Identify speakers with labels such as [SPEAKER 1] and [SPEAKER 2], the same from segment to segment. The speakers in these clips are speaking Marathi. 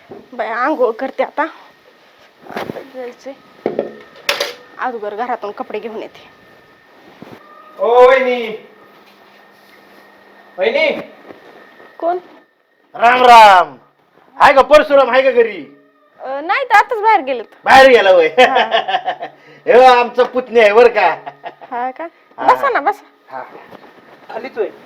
[SPEAKER 1] बाय आंघोळ करते आता जायचंय अगोदर घरातून कपडे घेऊन येते.
[SPEAKER 2] ओ वहिनी वहिनी
[SPEAKER 1] कोण?
[SPEAKER 2] राम राम. हाय का परशुराम आहे का घरी?
[SPEAKER 1] नाही तर आताच बाहेर गेलेत.
[SPEAKER 2] बाहेर गेला वय हे आमचं पुतणी आहे बर का.
[SPEAKER 1] हा का? बसा ना बसा.
[SPEAKER 2] आलीच होय.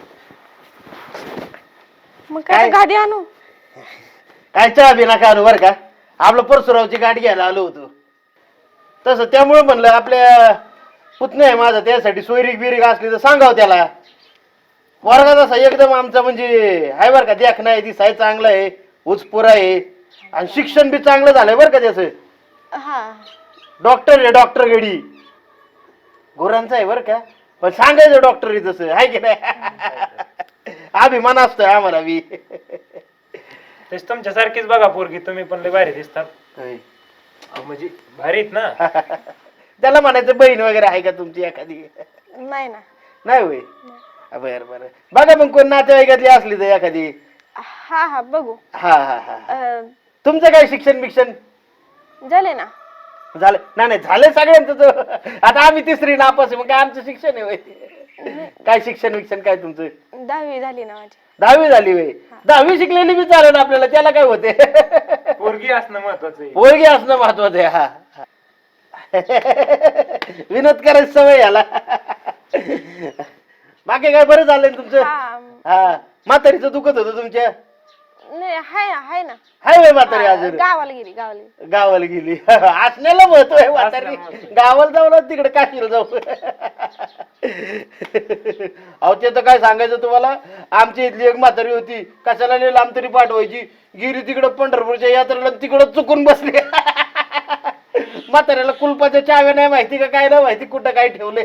[SPEAKER 1] मग काय गाडी आणू?
[SPEAKER 2] काय चहा बी नका आणू बर का. आपलं परशुरामची गाडी घ्यायला आलो होतो तसं त्यामुळे म्हणलं आपल्या पुतणी आहे माझा त्यासाठी सोयरीक बिरीक असली तर सांगाव त्याला. वर्गात असा एकदम आमचा म्हणजे आहे बर का. देख नाही दिसाय चांगला आहे उचपुरा आहे आणि शिक्षण बी चांगलं झालंय बरं का त्याचं.
[SPEAKER 1] हा
[SPEAKER 2] डॉक्टर आहे डॉक्टर गडी गोरांचा आहे बरं का. पण सांगायचं डॉक्टर तसं आहे की नाही. अभिमान असतोय आम्हाला बी.
[SPEAKER 3] तेच तुमच्यासारखीच बघा पोरगी तुम्ही पण लय भारी दिसतात.
[SPEAKER 2] होय.
[SPEAKER 3] म्हणजे भारीत ना.
[SPEAKER 2] त्याला म्हणायचं बहीण वगैरे आहे का तुमची एखादी?
[SPEAKER 1] नाही ना.
[SPEAKER 2] नाही होय. बर बर बघा मग कोण नातेवाईकातली असली तर एखादी.
[SPEAKER 1] हा हा बघू.
[SPEAKER 2] हा हा हा. तुमचं काय शिक्षण बिक्षण
[SPEAKER 1] झाले ना.
[SPEAKER 2] झालं नाही झालं सगळ्यांचं तर. आता आम्ही तिसरी नापास आहे मग काय आमचं शिक्षण आहे होय. काय शिक्षण विक्षण काय तुमचं?
[SPEAKER 1] 10वी झाली ना माझी.
[SPEAKER 2] 10वी झाली होय. 10वी शिकलेली बी चालेल आपल्याला त्याला काय होते.
[SPEAKER 3] पोरगी असणं महत्वाचं आहे.
[SPEAKER 2] पोरगी असणं महत्वाचं आहे. हा विनोद करायची सवय याला. बाकी काय बरं झालंय तुमचं? हा म्हातारीचं दुखत होतं तुमच्या?
[SPEAKER 1] नाही हाय ना.
[SPEAKER 2] हाय वय म्हातारी अजून?
[SPEAKER 1] गावाला गेली.
[SPEAKER 2] गावाला गेली. असण्याला महत्व आहे म्हातारी. गावाला जाऊ ना तिकडे काशीला जाऊ. अहो ते तर काय सांगायचं तुम्हाला. आमची इथली एक म्हातारी होती कशाला लई लांब तरी पाठवायची. गिरी तिकडं पंढरपूरच्या यात्रेला तिकडं चुकून बसली. म्हाताऱ्याला कुलपाच्या चाव्या नाही माहिती का काय नाही माहिती कुठं काय ठेवले.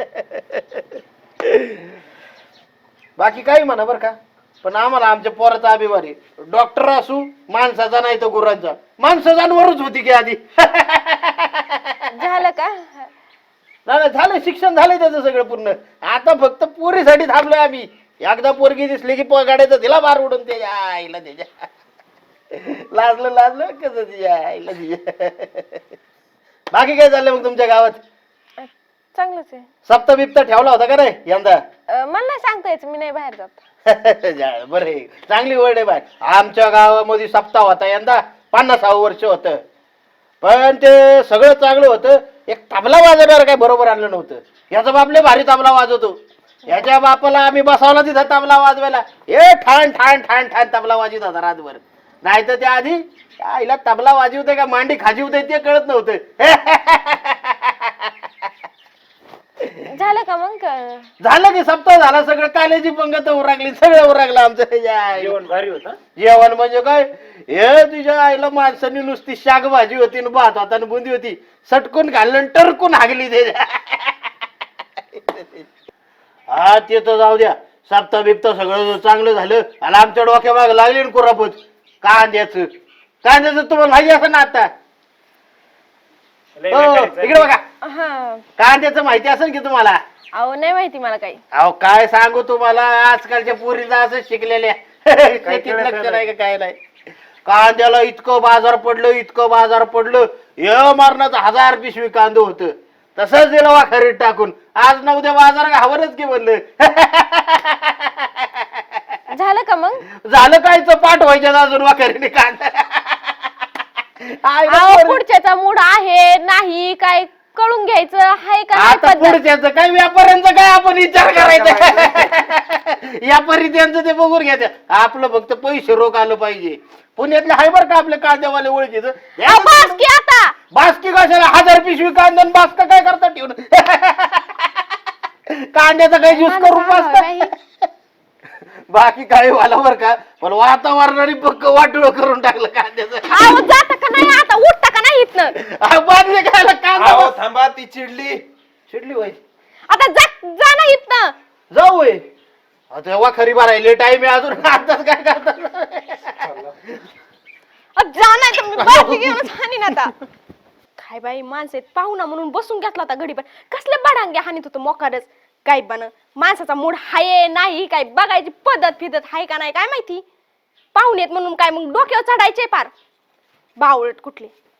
[SPEAKER 2] बाकी काही म्हणा बर का. पण आम्हाला आमच्या पोराचा अभिमान आहे. डॉक्टर असू माणसाचा नाही तर गुरांचा. माणसं जानवरच होती की आधी.
[SPEAKER 1] झालं का?
[SPEAKER 2] नाही झालं शिक्षण झालंय त्याचं सगळं पूर्ण. आता फक्त पोरीसाठी थांबलोय आम्ही. एकदा पोरगी दिसली की गाड्याचं तिला बार उडून त्याच्या आईला त्याच्या. लाजलं कसं तिच्या आईला तिच्या. बाकी काय चाललंय मग तुमच्या गावात?
[SPEAKER 1] चांगलंच आहे.
[SPEAKER 2] सप्ता बिप्ता ठेवला होता का नाही यंदा?
[SPEAKER 1] मला नाही सांगता यायचं मी नाही बाहेर जात.
[SPEAKER 2] बरं आहे चांगली वर्ड आहे बाय. आमच्या गावामध्ये सप्ताह होता यंदा 50 वर्ष होतं. पण ते सगळं चांगलं होतं. एक तबला वाजवणार काय बरोबर आणलं नव्हतं. याचा बाप लय भारी तबला वाजवतो. याच्या बापाला आम्ही बसवला तिथं तबला वाजवायला. हे ठाण ठाण ठाण ठाण तबला वाजवत होता रातभर. नाही तर त्या आधी आईला तबला वाजवते का मांडी खाजीवते ते कळत नव्हतं.
[SPEAKER 1] झालं का मग?
[SPEAKER 2] झालं की सप्ताह झाला. सगळं कालेजी पंगत उरकली सगळं उरकलं आमचं.
[SPEAKER 3] जेवण भारी होतं.
[SPEAKER 2] जेवण म्हणजे काय हे तुझ्या आईला माणसांनी नुसती शाक भाजी होती भात होता बुंदी होती. सटकून घालून टरकून हागली त्याच्या. हा ते तर जाऊ द्या. सप्ताह बिप्ता सगळं चांगलं झालं. आणि आमच्या डोक्या माग लागली ना कुरापत कांद्याचं तुम्हाला माहिती असं ना आता. इकडे बघा कांद्याचं माहिती असेल की तुम्हाला?
[SPEAKER 1] अहो नाही माहिती मला काही.
[SPEAKER 2] अहो काय सांगू तुम्हाला आजकालच्या पोरीला असं शिकलेल्या शेतीत लक्ष नाही का काय नाही. कांद्याला इतकं बाजार पडलं हे मारण्याचं 1000 पिशवी कांदे होतं. तसंच दिलं वाखरीत टाकून. आज ना उद्या बाजार घावरच की म्हणलं.
[SPEAKER 1] झालं का मग?
[SPEAKER 2] झालं काय पाठ व्हायच्या अजून वाखरीने कांदा.
[SPEAKER 1] पुढच्याचा मूड आहे नाही काय कळून घ्यायचं आहे का?
[SPEAKER 2] आता पुढच्याचं काय व्यापाऱ्यांचा काय आपण विचार करायचा. व्यापारी त्यांचं ते बघून घ्यायचं. आपलं फक्त पैसे रोख आलं पाहिजे. पुण्यातले हाय बर का आपले कांद्यावाले ओळखीचं. बास्की कशाला 1000 पिशवी कांदा बास्का काय करता ठेवून. कांद्याचा काही ज्यूस करून पास. बाकी काही वाला बर का. पण वातावरणाने पक्क वाटोळ करून टाकलं कांद्याचं.
[SPEAKER 1] जाता का नाही आता उठता का नाही इथनं?
[SPEAKER 2] बादली खायला कांदा
[SPEAKER 3] थांबा ती चिडली
[SPEAKER 2] होय.
[SPEAKER 1] आता जा ना इथनं.
[SPEAKER 2] जाऊ होय. आता वाखरी भरायले टाइम आहे अजून. आताच काय करतात.
[SPEAKER 1] जा नाही तर मी बाटली घेऊनच हाणीन आता. काय बाई माणसं पाहुणा म्हणून बसून घेतला होता घडी. पण कसले बडांगे हानीत होतं मोकारच. काय बन माणसाचा मूड हाय नाही काय बघायची पद्धत फिदत हाय का नाही काय माहिती. पाहुणेत म्हणून काय मग डोक्यावर चढायचे पार. बावळट कुठले